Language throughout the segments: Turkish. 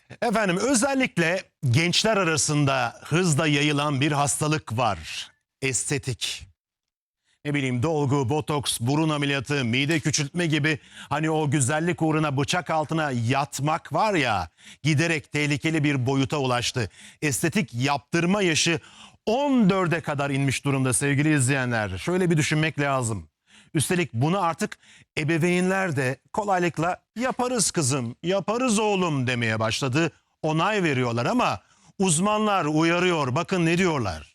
Efendim özellikle gençler arasında hızla yayılan bir hastalık var. Estetik. Ne bileyim dolgu, botoks, burun ameliyatı, mide küçültme gibi hani o güzellik uğruna bıçak altına yatmak var ya giderek tehlikeli bir boyuta ulaştı. Estetik yaptırma yaşı 14'e kadar inmiş durumda sevgili izleyenler. Şöyle bir düşünmek lazım. Üstelik bunu artık ebeveynler de kolaylıkla yaparız kızım, yaparız oğlum demeye başladı. Onay veriyorlar ama uzmanlar uyarıyor. Bakın ne diyorlar.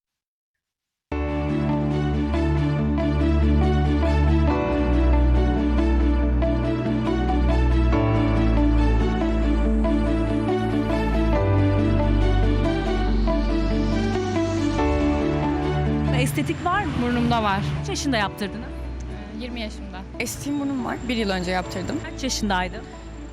Estetik var mı? Burnumda var. Kaç yaşında yaptırdınız? 20 yaşımda. Estiğim burnum var. 1 yıl önce yaptırdım. Kaç yaşındaydın?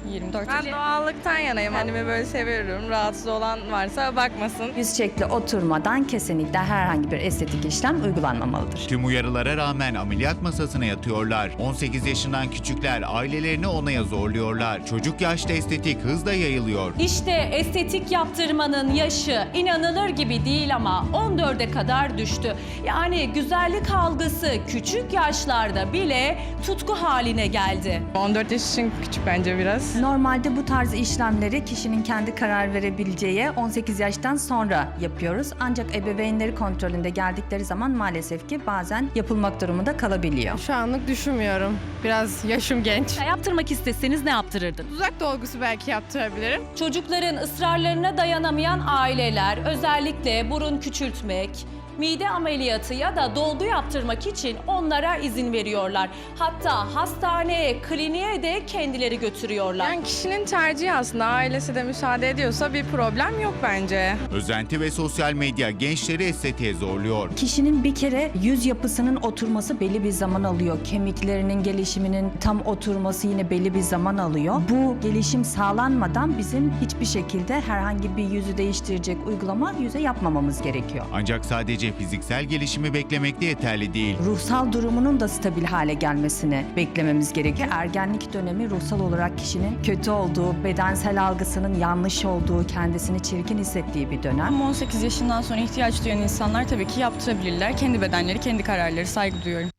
24 Ben yaşında. doğallıktan yanayım. Kendimi böyle seviyorum. Rahatsız olan varsa bakmasın. Yüz şekli oturmadan kesinlikle herhangi bir estetik işlem uygulanmamalıdır. Tüm uyarılara rağmen ameliyat masasına yatıyorlar. 18 yaşından küçükler ailelerini onaya zorluyorlar. Çocuk yaşta estetik hızla yayılıyor. İşte estetik yaptırmanın yaşı inanılır gibi değil ama 14'e kadar düştü. Yani güzellik algısı küçük yaşlarda bile tutku haline geldi. 14 yaş için küçük bence biraz. Normalde bu tarz işlemleri kişinin kendi karar verebileceği 18 yaştan sonra yapıyoruz. Ancak ebeveynleri kontrolünde geldikleri zaman maalesef ki bazen yapılmak durumunda kalabiliyor. Şu anlık düşünmüyorum. Biraz yaşım genç. Ya yaptırmak isteseniz ne yaptırırdın? Uzak dolgusu belki yaptırabilirim. Çocukların ısrarlarına dayanamayan aileler özellikle burun küçültmek, mide ameliyatı ya da dolgu yaptırmak için onlara izin veriyorlar. Hatta hastaneye, kliniğe de kendileri götürüyorlar. Yani kişinin tercihi aslında. Ailesi de müsaade ediyorsa bir problem yok bence. Özenti ve sosyal medya gençleri estetiğe zorluyor. Kişinin bir kere yüz yapısının oturması belli bir zaman alıyor. Kemiklerinin gelişiminin tam oturması yine belli bir zaman alıyor. Bu gelişim sağlanmadan bizim hiçbir şekilde herhangi bir yüzü değiştirecek uygulama yüze yapmamamız gerekiyor. Ancak sadece fiziksel gelişimi beklemek de yeterli değil. Ruhsal durumunun da stabil hale gelmesini beklememiz gerekiyor. Ergenlik dönemi ruhsal olarak kişinin kötü olduğu, bedensel algısının yanlış olduğu, kendisini çirkin hissettiği bir dönem. Ama 18 yaşından sonra ihtiyaç duyan insanlar tabii ki yaptırabilirler. Kendi bedenleri, kendi kararları, saygı duyuyorum.